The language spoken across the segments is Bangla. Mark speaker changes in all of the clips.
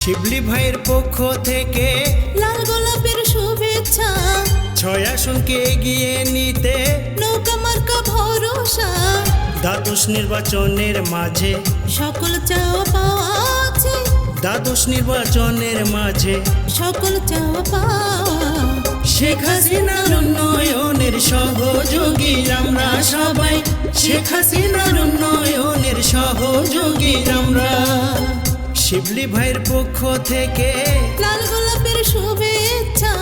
Speaker 1: শিবলি ভাইয়ের পক্ষ থেকে
Speaker 2: লাল গোলাপের শুভেচ্ছা,
Speaker 1: 6 আসনকে এগিয়ে নিতে
Speaker 2: নৌকা মার্কা ভরসা।
Speaker 1: দ্বাদশ নির্বাচনের মাঝে
Speaker 2: সকল চাওয়া পাওয়া আছে,
Speaker 1: দ্বাদশ নির্বাচনের মাঝে
Speaker 2: সকল চাওয়া পাওয়া।
Speaker 1: শেখ হাসিনার উন্নয়নের সহযোগী আমরা সবাই, শেখ হাসিনার উন্নয়নের সহযোগী আমরা। শিবলি ভাইয়ের পক্ষ থেকে
Speaker 2: লাল গোলাপের শুভেচ্ছা।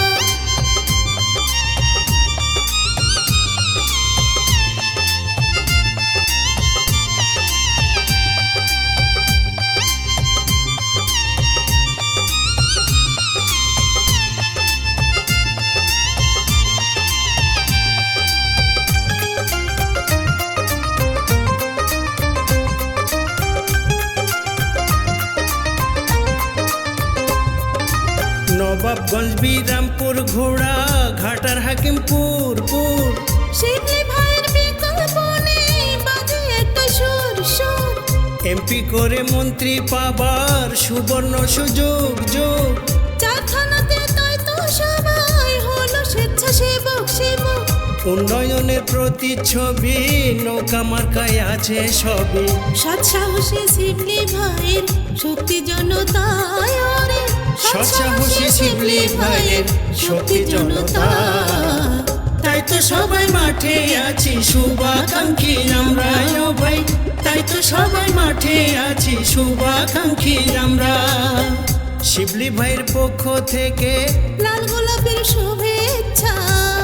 Speaker 1: নবাবগঞ্জ, বিরামপুর, ঘোড়া ঘাটার, হাকিমপুর পুর।
Speaker 2: শিবলি ভাইয়ের বিকল্প নেই, বাজে একটা সুর সুর।
Speaker 1: এমপি করে মন্ত্রী পাবার সুবর্ণ সুযোগ যোগ।
Speaker 2: 4 থানাতে তাই তো সবাই হলো স্বেচ্ছাসেবক সেবক।
Speaker 1: উন্নয়নের প্রতিচ্ছবি নৌকা মার্কায় আছে সবই।
Speaker 2: সৎ সাহসী শিবলি ভাইয়ের শক্তি জনতায় ওরে,
Speaker 1: সৎ সাহসী শিবলি ভাইয়ের শক্তি জনতা। তাই তো সবাই মাঠে আছি শুভাকাঙ্ক্ষী আমরা ও ভাই, তাই তো সবাই মাঠে আছি শুভাকাঙ্ক্ষী আমরা। শিবলি ভাইয়ের পক্ষ থেকে
Speaker 2: লাল গোলাপের শুভেচ্ছা।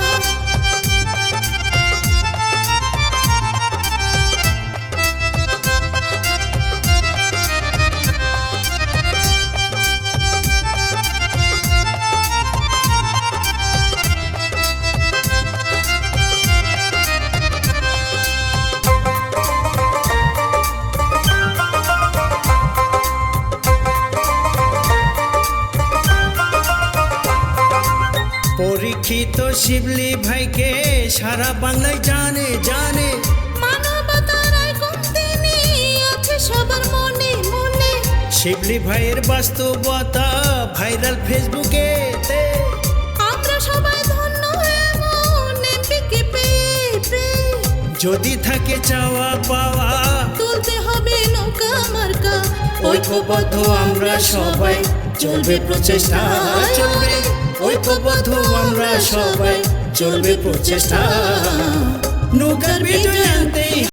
Speaker 1: পরীক্ষিত শিবলি ভাইকে সারা বাংলায় জানে জানে।
Speaker 2: মানবতার আইকন তিনি, আছে সবার মনে মনে।
Speaker 1: শিবলি ভাইয়ের বাস্তবতা ভাইরাল ফেসবুকে।
Speaker 2: আমরা সবাই ধন্য এমন এমপিকে পেয়ে পেয়ে।
Speaker 1: যদি থাকে চাওয়া পাওয়া
Speaker 2: তুলতে হবে নৌকা মার্কা,
Speaker 1: ঐক্যবদ্ধ আমরা সবাই, চলবে প্রচেষ্টা চলবে। ঐক্যবদ্ধ আমরা সবাই, চলবে প্রচেষ্টা। নৌকার বিজয় আনতেই